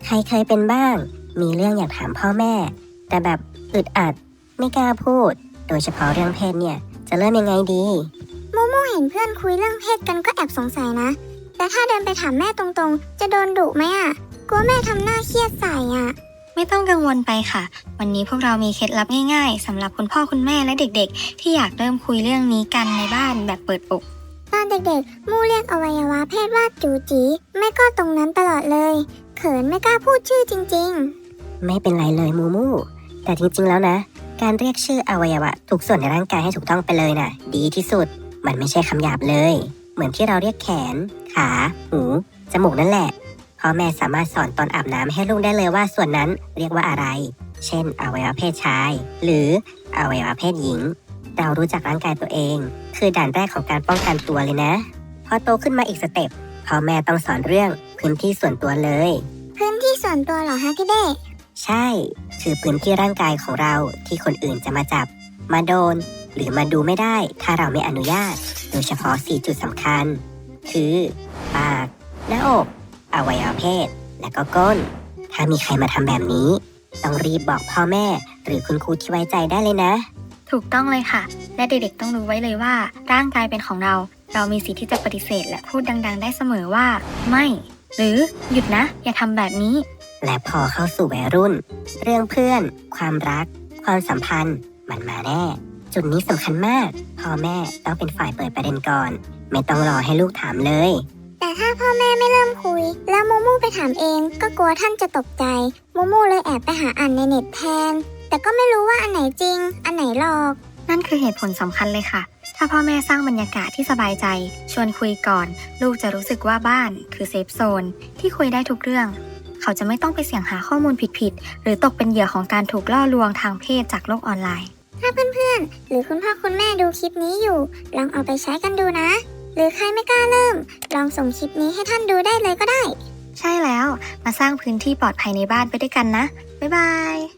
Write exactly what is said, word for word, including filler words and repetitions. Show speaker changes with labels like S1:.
S1: ใครเคยเป็นบ้างมีเรื่องอยากถามพ่อแม่แต่แบบอึดอัดไม่กล้าพูดโดยเฉพาะเรื่องเพศเนี่ยจะเริ่มยังไงดี
S2: โมโมเห็นเพื่อนคุยเรื่องเพศกันก็แอบสงสัยนะแต่ถ้าเดินไปถามแม่ตรงๆจะโดนดุไหมอ่ะกลัวแม่ทำหน้าเครียดใส่อ่ะ
S3: ไม่ต้องกังวลไปค่ะวันนี้พวกเรามีเคล็ดลับง่ายๆสำหรับคุณพ่อคุณแม่และเด็กๆที่อยากเริ่มคุยเรื่องนี้กันในบ้านแบบเปิดอก
S2: ตอนเด็กๆมู่เรียกอวัยวะเพศว่าจูจีแม่ก็ตรงนั้นตลอดเลยเขินไม่กล้าพูดชื่อจริง
S1: ๆไม่เป็นไรเลยมูมูแต่จริงๆแล้วนะการเรียกชื่ออวัยวะทุกส่วนในร่างกายให้ถูกต้องไปเลยน่ะดีที่สุดมันไม่ใช่คำหยาบเลยเหมือนที่เราเรียกแขนขาหูจมูกนั่นแหละพ่อแม่สามารถสอนตอนอาบน้ำให้ลูกได้เลยว่าส่วนนั้นเรียกว่าอะไรเช่นอวัยวะเพศชายหรืออวัยวะเพศหญิงเรารู้จักร่างกายตัวเองคือด่านแรกของการป้องกันตัวเลยนะพอโตขึ้นมาอีกสเต็ปพ่อแม่ต้องสอนเรื่องพื้นที่ส่วนตัวเลย
S2: พื้นที่ส่วนตัวเหรอฮะพี่เด้
S1: ใช่คือพื้นที่ร่างกายของเราที่คนอื่นจะมาจับมาโดนหรือมาดูไม่ได้ถ้าเราไม่อนุญาตโดยเฉพาะสี่จุดสำคัญคือปากหน้าอกอวัยวะเพศและก็ก้นถ้ามีใครมาทำแบบนี้ต้องรีบบอกพ่อแม่หรือคุณครูที่ไว้ใจได้เลยนะ
S3: ถูกต้องเลยค่ะและเด็กๆต้องรู้ไว้เลยว่าร่างกายเป็นของเราเรามีสิทธิ์ที่จะปฏิเสธและพูดดังๆได้เสมอว่าไม่หรือหยุดนะอย่าทำแบบนี้
S1: และพอเข้าสู่วัยรุ่นเรื่องเพื่อนความรักความสัมพันธ์มันมาแน่จุดนี้สำคัญมากพ่อแม่ต้องเป็นฝ่ายเปิดประเด็นก่อนไม่ต้องรอให้ลูกถามเลย
S2: แต่ถ้าพ่อแม่ไม่เริ่มคุยแล้วโมโม่ไปถามเองก็กลัวท่านจะตกใจโมโม่เลยแอบไปหาอ่านในเน็ตแทนแต่ก็ไม่รู้ว่าอันไหนจริงอันไหนหลอก
S3: นั่นคือเหตุผลสำคัญเลยค่ะถ้าพ่อแม่สร้างบรรยากาศที่สบายใจชวนคุยก่อนลูกจะรู้สึกว่าบ้านคือเซฟโซนที่คุยได้ทุกเรื่องเขาจะไม่ต้องไปเสี่ยงหาข้อมูลผิดๆหรือตกเป็นเหยื่อของการถูกล่อลวงทางเพศจากโลกออนไลน์
S2: ถ้าเพื่อนๆหรือคุณพ่อคุณแม่ดูคลิปนี้อยู่ลองเอาไปใช้กันดูนะหรือใครไม่กล้าเริ่มลองส่งคลิปนี้ให้ท่านดูได้เลยก็ได้
S3: ใช่แล้วมาสร้างพื้นที่ปลอดภัยในบ้านไปด้วยกันนะบ๊ายบาย